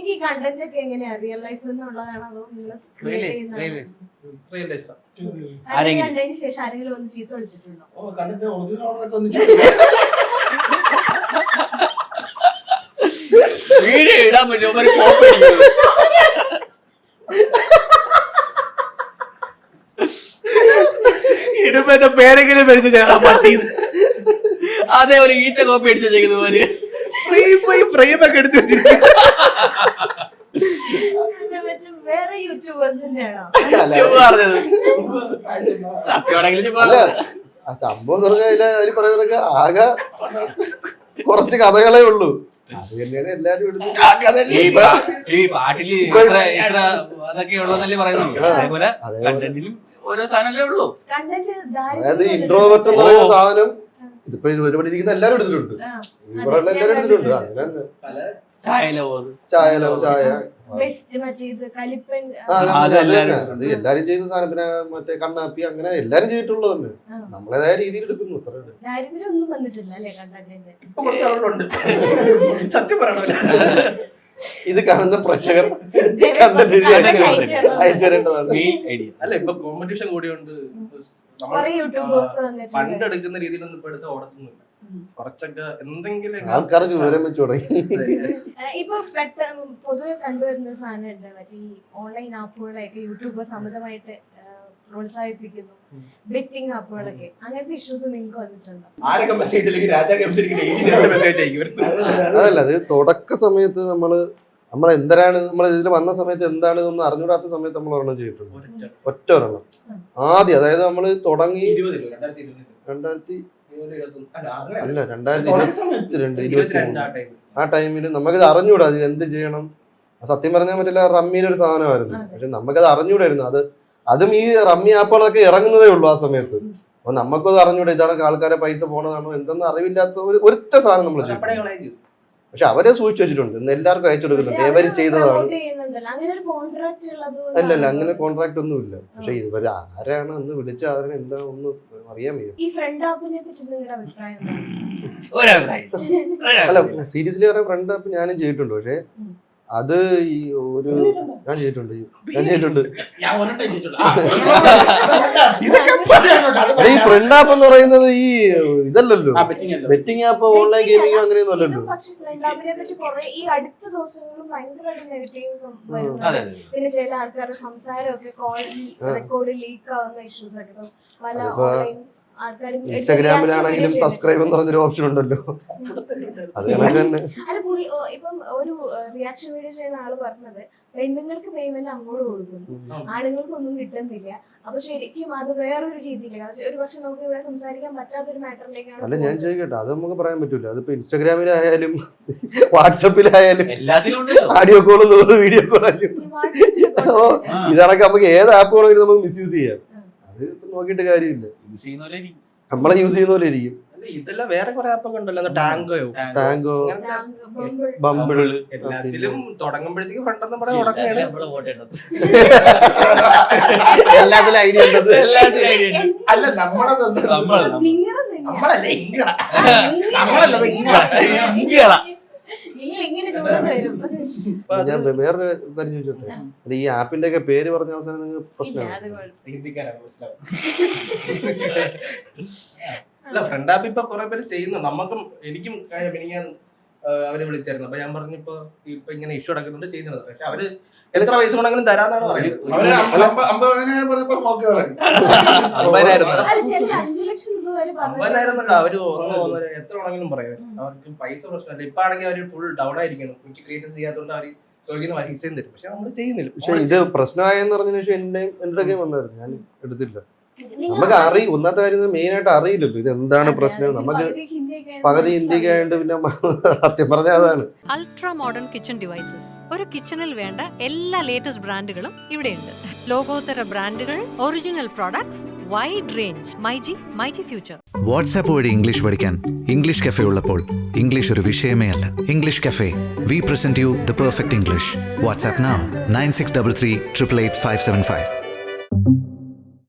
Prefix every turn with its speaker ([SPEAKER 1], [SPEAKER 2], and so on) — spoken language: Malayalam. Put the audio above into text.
[SPEAKER 1] നിങ്ങൾക്ക് ഈ കണ്ടന്റ് ഒക്കെ എങ്ങനെയാ റിയൽ ലൈഫിൽ നിന്നുള്ളതാണോ അതോ നിങ്ങൾ കണ്ടതിന് ശേഷം ആരെങ്കിലും ഒന്ന് ചീത്ത വിളിച്ചിട്ടുണ്ടോ?
[SPEAKER 2] വീഡിയോ ഇടാൻ പറ്റുമോ? ഇടുമ്പോ എന്റെ പേരെങ്കിലും മേടിച്ച ചേട്ടാ പട്ടി. അതേപോലെ ഈച്ച കോപ്പി അടിച്ച ചെയ്യുന്ന പോലെ ഫ്രെയിമൊക്കെ എടുത്ത് വെച്ചിരിക്കും.
[SPEAKER 1] വേറെ യൂട്യൂബേഴ്സിന്റെ ആണോ
[SPEAKER 3] സംഭവം അതിൽ പറയുന്നതൊക്കെ ആകെ കുറച്ച് കഥകളേ ഉള്ളൂ. അത് തന്നെയാണ് എല്ലാരും
[SPEAKER 2] ഈ പാട്ടില് എത്ര അതൊക്കെ ഉള്ളതല്ലേ പറയുന്നത്. അതേപോലെ കണ്ടന്റിലും ഓരോ സാധനല്ലേ ഉള്ളൂ.
[SPEAKER 3] അതായത് ഇൻട്രോവേർട്ട് എന്ന് പറയുന്ന സാധനം ഇതിപ്പോ ഒരുപാട് ഇരിക്കുന്ന എല്ലാരും എടുത്തിട്ടുണ്ട്. ഇവിടെ എല്ലാരും എടുത്തിട്ടുണ്ട്. അങ്ങനെ ചായ അത് എല്ലാരും ചെയ്യുന്ന സാധനം. പിന്നെ മറ്റേ കണ്ണാപ്പി അങ്ങനെ എല്ലാരും ചെയ്തിട്ടുള്ളത് തന്നെ. നമ്മളേതായ രീതിയിൽ എടുക്കുന്നു.
[SPEAKER 2] സത്യം പറയണ
[SPEAKER 3] ഇത് കാണുന്ന പ്രേക്ഷകർ അയച്ചേരേണ്ടതാണ്.
[SPEAKER 2] അല്ല ഇപ്പൊ കോമ്പറ്റീഷൻ കൂടിയുണ്ട്. പണ്ടെടുക്കുന്ന രീതിയിലൊന്നും ഇപ്പൊ എടുത്ത് ഓടത്തൊന്നുമില്ല. കുറച്ചൊക്കെ എന്തെങ്കിലും
[SPEAKER 3] ആൾക്കാർ വിവരം വെച്ച് തുടങ്ങി.
[SPEAKER 1] ഇപ്പൊ പെട്ടെന്ന് പൊതുവെ കണ്ടുവരുന്ന സാധനം മറ്റേ ഈ ഓൺലൈൻ ആപ്പുകളെയൊക്കെ യൂട്യൂബ് സമ്മതമായിട്ട് പ്രോത്സാഹിപ്പിക്കുന്നു. ബെറ്റിംഗ് ആപ്പുകളൊക്കെ അങ്ങനത്തെ ഇഷ്യൂസ് നിങ്ങൾക്ക് വന്നിട്ടുണ്ടോ?
[SPEAKER 3] അതല്ല, അത് തുടക്ക സമയത്ത് നമ്മൾ എന്തരാണ് നമ്മൾ ഇതിൽ വന്ന സമയത്ത് എന്താണ് ഇതൊന്നും അറിഞ്ഞൂടാത്ത സമയത്ത് നമ്മൾ ഒരെണ്ണം ചെയ്തിട്ടുണ്ട്. ഒറ്റ ഒരെണ്ണം ആദ്യം. അതായത് നമ്മൾ തുടങ്ങി 2022 ആ ടൈമില് നമുക്കിത് അറിഞ്ഞൂടാ ഇത് എന്ത് ചെയ്യണം. സത്യം പറഞ്ഞാൽ പറ്റില്ല, റമ്മിയിലൊരു സാധനമായിരുന്നു. പക്ഷെ നമുക്കത് അറിഞ്ഞൂടായിരുന്നു. അതും ഈ റമ്മി ആപ്പുകളൊക്കെ ഇറങ്ങുന്നതേ ഉള്ളൂ ആ സമയത്ത്. അപ്പൊ നമുക്കത് അറിഞ്ഞൂടാ ഇതാണ് ആൾക്കാരെ പൈസ പോണതാണോ എന്തെന്ന് അറിവില്ലാത്ത ഒരൊറ്റ സാധനം നമ്മൾ ചെയ്യും. പക്ഷെ അവരെ സൂക്ഷിച്ചു വെച്ചിട്ടുണ്ട്. ഇന്ന് എല്ലാവർക്കും അയച്ചു കൊടുക്കുന്നുണ്ട്. ഇവര് ചെയ്തതാണ്. അല്ലല്ല, അങ്ങനെ കോൺട്രാക്ട് ഒന്നും ഇല്ല. പക്ഷെ ഇവര് ആരാണ് അന്ന് വിളിച്ച ആരാണ് എന്താ ഒന്നും അറിയാൻ വയ്യ. അല്ല സീരിയസ്ലി പറയാൻ ഫ്രണ്ട് ആപ്പ് ഞാനും ചെയ്തിട്ടുണ്ട്. പക്ഷെ അത് ഈ ഞാൻ ചെയ്തിട്ടുണ്ട്. ഈ ഫ്രണ്ട് ആപ്പ് എന്ന് പറയുന്നത് ഈ ഇതല്ലല്ലോ, ബെറ്റിംഗ് ആപ്പ് ഓൺലൈൻ ഗെയിമിംഗ് അങ്ങനെയൊന്നും അല്ലല്ലോ.
[SPEAKER 1] ഈ അടുത്ത ദിവസങ്ങളിലും ഭയങ്കരമായിട്ട് നെഗറ്റീവ്സ് വരുന്നത്. പിന്നെ ചില ആൾക്കാരുടെ സംസാരമൊക്കെ കോൾ റെക്കോർഡ് ലീക്ക് ആവുന്ന ഇഷ്യൂസ് ഒക്കെ പല ഓൺലൈൻ
[SPEAKER 3] ഇൻസ്റ്റാഗ്രാമിലാണെങ്കിലും സബ്സ്ക്രൈബ് എന്ന് പറഞ്ഞൊരു ഓപ്ഷൻ ഉണ്ടല്ലോ.
[SPEAKER 1] അല്ല ഇപ്പം ഒരു റിയാക്ഷൻ വീഡിയോ ചെയ്യുന്ന ആള് പറഞ്ഞത് പെണ്ണുങ്ങൾക്ക് പേയ്മെന്റ് അങ്ങോട്ട് കൊടുക്കുന്നു, ആണുങ്ങൾക്ക് ഒന്നും കിട്ടുന്നില്ല. അപ്പൊ ശരിക്കും അത് വേറൊരു രീതിയിലേക്ക് ഒരു പക്ഷെ നമുക്ക് ഇവിടെ സംസാരിക്കാൻ പറ്റാത്തൊരു മാറ്ററിലേക്കാണ്.
[SPEAKER 3] അല്ല ഞാൻ ചോദിക്കട്ടെ, അത് നമുക്ക് പറയാൻ പറ്റൂല. അതിപ്പോ ഇൻസ്റ്റാഗ്രാമിലായാലും വാട്സപ്പിലായാലും ഓഡിയോ കോളും വീഡിയോ കോളായാലും ഇതണക്ക് നമുക്ക് ഏത് ആപ്പ് വേണമെങ്കിലും നമുക്ക് മിസ്യൂസ് ചെയ്യാം. അത് നോക്കിയിട്ട് കാര്യമില്ല. നമ്മളെ യൂസ് ചെയ്യുന്ന പോലെ ഇരിക്കും.
[SPEAKER 2] ഇതെല്ലാം വേറെ കുറെ ആപ്പൊക്കെ ഉണ്ടല്ലോ. ടാങ്കോ,
[SPEAKER 3] ബമ്പിൾ,
[SPEAKER 2] എല്ലാത്തിലും തുടങ്ങുമ്പോഴത്തേക്ക് ഫ്രണ്ട് പറയാൻ തുടങ്ങുകയാണ്.
[SPEAKER 3] എല്ലാത്തിലും ഐഡിയ ഉണ്ടത്.
[SPEAKER 2] അല്ല നമ്മളല്ലേ
[SPEAKER 3] ഞാൻ വേറൊരു കാര്യം ചോദിച്ചോട്ടെ, ഈ ആപ്പിന്റെ ഒക്കെ പേര് പറഞ്ഞ അവസാനം നിങ്ങൾ പ്രശ്നമാണ്.
[SPEAKER 2] അല്ല ഫ്രണ്ട് ആപ്പ് ഇപ്പൊ കുറെ പേര് ചെയ്യുന്നു. നമുക്കും എനിക്കും മിനിങ്ങാൻ അവര് വിളിച്ചായിരുന്നു. അപ്പൊ ഞാൻ പറഞ്ഞു ഇപ്പൊ ഇങ്ങനെ ഇഷ്യൂ നടക്കുന്നുണ്ട് ചെയ്യുന്നത്. പക്ഷെ അവര് എത്ര പൈസ കൊണ്ടെങ്കിലും തരാന്നാണ് പറയുന്നത്. 50,000 അവര് എത്ര വേണമെങ്കിലും പറയാം. അവർക്ക് പൈസ പ്രശ്നമല്ല. ഇപ്പൊ ആണെങ്കിൽ അവര് ഫുൾ ഡൗൺ ആയിരിക്കണം. എനിക്ക് ക്രിയേറ്റ് ചെയ്യാത്തതുകൊണ്ട് അവര് ചോദിക്കുന്ന പൈസയും തരും. പക്ഷെ നമ്മള് ചെയ്യുന്നില്ല.
[SPEAKER 3] പക്ഷെ ഇത് പ്രശ്നമായെന്ന് പറഞ്ഞതിന് ശേഷം എന്റെ ഗെയിം വന്നായിരുന്നു, ഞാൻ എടുത്തില്ല. നമുക്ക് ഒന്നാമത്തെ കാര്യം മെയിൻ ആയിട്ട് അറിയില്ലല്ലോ ഇത് എന്താണ് പ്രശ്നം. നമുക്ക് പകുതി ഹിന്ദിക്കായിട്ട് പിന്നെ സത്യം പറഞ്ഞ അതാണ്.
[SPEAKER 4] Ultra modern kitchen devices. ഒരു കിച്ചണിൽ വേണ്ട എല്ലാ ലേറ്റസ്റ്റ് ബ്രാൻഡുകളും ഇവിടെയുണ്ട്. ലോകോത്തര ബ്രാൻഡുകൾ, original products, wide range. MyG future.
[SPEAKER 5] WhatsApp വഴി ഇംഗ്ലീഷ് പഠിക്കാൻ ഇംഗ്ലീഷ് കഫേ ഉള്ളപ്പോൾ ഇംഗ്ലീഷ് ഒരു വിഷയമേ അല്ല. English cafe, we present you the perfect English. WhatsApp now 9633 888 575.